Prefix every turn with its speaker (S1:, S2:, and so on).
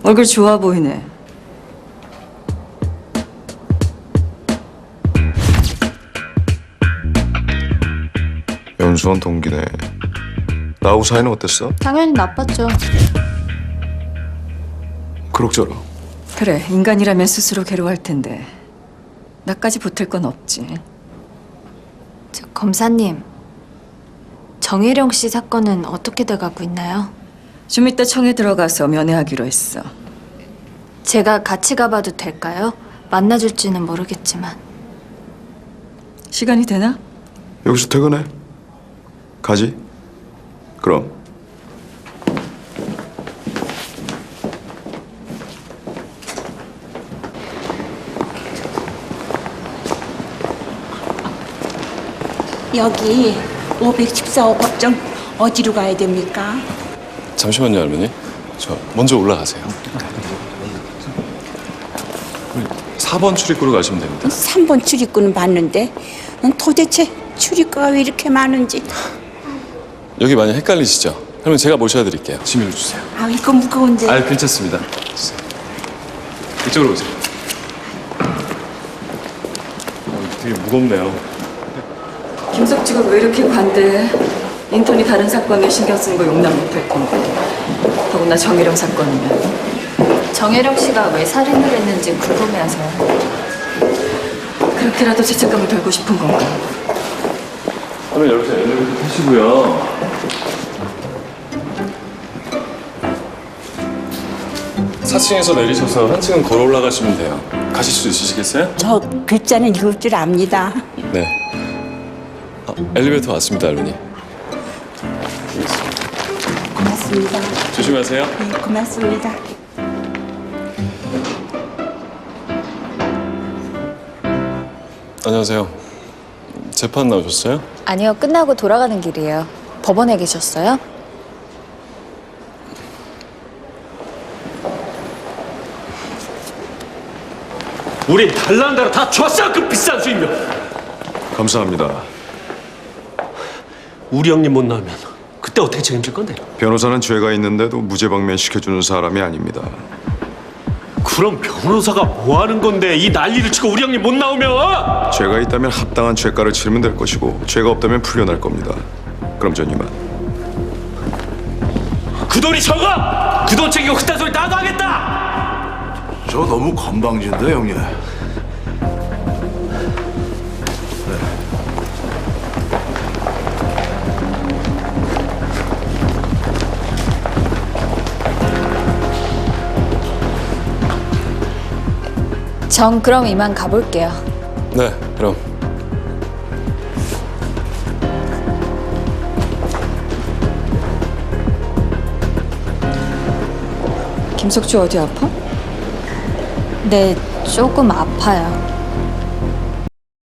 S1: 얼굴 좋아 보이네.
S2: 연수원 동기네. 나하고 사이는 어땠어?
S3: 당연히 나빴죠.
S2: 그럭저럭.
S1: 그래, 인간이라면 스스로 괴로워할 텐데 나까지 보탤 건 없지.
S3: 저 검사님, 정혜령 씨 사건은 어떻게 돼가고 있나요?
S1: 좀 이따 청에 들어가서 면회하기로 했어.
S3: 제가 같이 가봐도 될까요? 만나줄지는 모르겠지만.
S1: 시간이 되나?
S2: 여기서 퇴근해. 가지. 그럼.
S4: 여기 514호 법정 어디로 가야 됩니까?
S5: 잠시만요, 할머니. 저 먼저 올라가세요. 4번 출입구로 가시면 됩니다.
S4: 3번 출입구는 봤는데 도대체 출입구가 왜 이렇게 많은지.
S5: 여기 많이 헷갈리시죠? 할머니 제가 모셔드릴게요. 짐을 주세요.
S4: 아, 이거 무거운데.
S5: 아, 괜찮습니다. 주세요. 이쪽으로 오세요. 되게 무겁네요.
S1: 김석주가 왜 이렇게 관대해? 인턴이 다른 사건에 신경 쓰는 거 용납 못할 텐데. 더구나 정혜령 사건이면.
S3: 정혜령 씨가 왜 살인을 했는지 궁금해하세요.
S1: 그렇게라도 죄책감을 덜고 싶은 건가?
S5: 그러면 여기서 엘리베이터 타시고요. 4층에서 내리셔서 한 층은 걸어 올라가시면 돼요. 가실 수 있으시겠어요?
S4: 저 글자는 읽을 줄 압니다.
S5: 네. 엘리베이터 왔습니다, 할머니.
S4: 고맙습니다.
S5: 조심하세요.
S4: 네, 고맙습니다.
S5: 안녕하세요. 재판 나오셨어요?
S3: 아니요, 끝나고 돌아가는 길이에요. 법원에 계셨어요?
S6: 우린 달라는 대로 다 줬어, 그 비싼 수임료.
S2: 감사합니다.
S6: 우리 형님 못 나오면 그때 어떻게 책임질 건데?
S2: 변호사는 죄가 있는데도 무죄 방면시켜주는 사람이 아닙니다.
S6: 그럼 변호사가 뭐 하는 건데 이 난리를 치고 우리 형님 못 나오면?
S2: 죄가 있다면 합당한 죄가를 치르면 될 것이고 죄가 없다면 풀려날 겁니다. 그럼 전 이만.
S6: 그 돈이 적어! 그 돈 챙기고 그딴 소리 나도 하겠다!
S7: 저 너무 건방진데 형님.
S3: 전 그럼 이만 가볼게요.
S5: 네, 그럼.
S1: 김석주 어디 아파?
S3: 네, 조금 아파요.